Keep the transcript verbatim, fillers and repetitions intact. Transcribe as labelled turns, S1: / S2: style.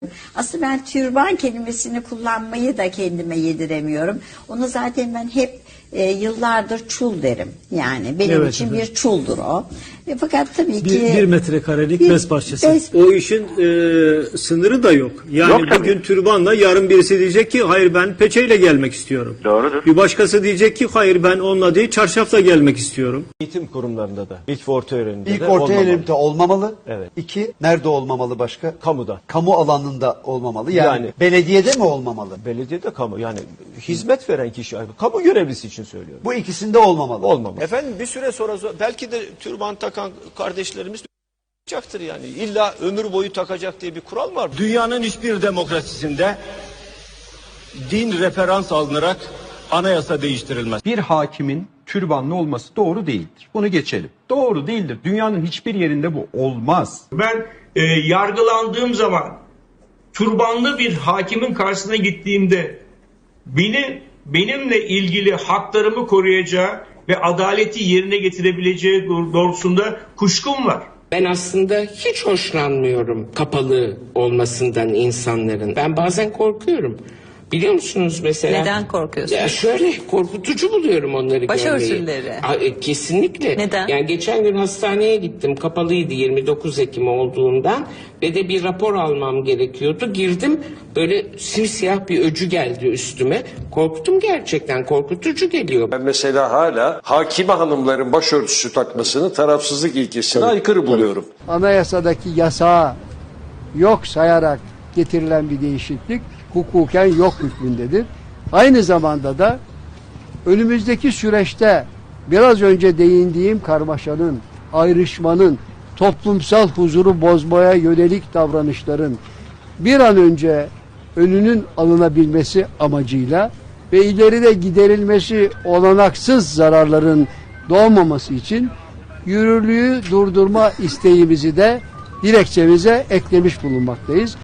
S1: Aslında ben türban kelimesini kullanmayı da kendime yediremiyorum. Onu zaten ben hep e, yıllardır çul derim. Yani benim
S2: Evet,
S1: için
S2: efendim.
S1: bir çuldur o. E, fakat tabii ki...
S2: Bir, bir metrekarelik
S1: bir
S2: bez parçası.
S1: bez-
S3: O işin e, sınırı da yok. Yani
S4: Yok tabii.
S3: bugün türbanla yarın birisi diyecek ki hayır ben peçeyle gelmek istiyorum.
S4: Doğrudur.
S3: Bir başkası diyecek ki hayır ben onunla değil çarşafla gelmek istiyorum.
S5: Eğitim kurumlarında da, ilk ve orta öğrenimde
S6: İlk
S5: de
S6: orta
S5: olmamalı.
S6: eğitimde olmamalı.
S5: Evet.
S6: İki, nerede olmamalı başka?
S5: Kamuda.
S6: Kamu alanında olmamalı. Yani,
S5: Yani-
S6: belediyede mi olmamalı?
S5: Belediyede kamu, yani hizmet veren kişi, kamu görevlisi için söylüyorum.
S6: Bu ikisinde olmamalı.
S5: Olmamalı.
S7: Efendim bir süre sonra belki de türban takan kardeşlerimiz olacaktır yani. İlla ömür boyu takacak diye bir kural mı var?
S8: Dünyanın hiçbir demokrasisinde din referans alınarak anayasa değiştirilmez.
S9: Bir hakimin türbanlı olması doğru değildir. Bunu geçelim. Doğru değildir. Dünyanın hiçbir yerinde bu olmaz.
S10: Ben e, yargılandığım zaman türbanlı bir hakimin karşısına gittiğimde beni benimle ilgili haklarımı koruyacağı ve adaleti yerine getirebileceği doğrultusunda kuşkum var.
S11: Ben aslında hiç hoşlanmıyorum kapalı olmasından insanların. Ben bazen korkuyorum. Biliyor musunuz mesela?
S12: Neden korkuyorsunuz?
S11: Ya şöyle korkutucu buluyorum onları
S12: Başörtüleri.
S11: görmeyi. Aa, e, Kesinlikle.
S12: Neden?
S11: Yani geçen gün hastaneye gittim. Kapalıydı yirmi dokuz Ekim olduğundan. Ve de bir rapor almam gerekiyordu. Girdim böyle simsiyah bir öcü geldi üstüme. Korktum gerçekten. Korkutucu geliyor.
S8: Ben mesela hala hakime hanımların başörtüsü takmasını tarafsızlık ilkesine aykırı buluyorum.
S13: Anayasadaki yasağı yok sayarak getirilen bir değişiklik hukuken yok hükmündedir. Aynı zamanda da önümüzdeki süreçte biraz önce değindiğim karmaşanın, ayrışmanın, toplumsal huzuru bozmaya yönelik davranışların bir an önce önünün alınabilmesi amacıyla ve ileride giderilmesi olanaksız zararların doğmaması için yürürlüğü durdurma isteğimizi de dilekçemize eklemiş bulunmaktayız.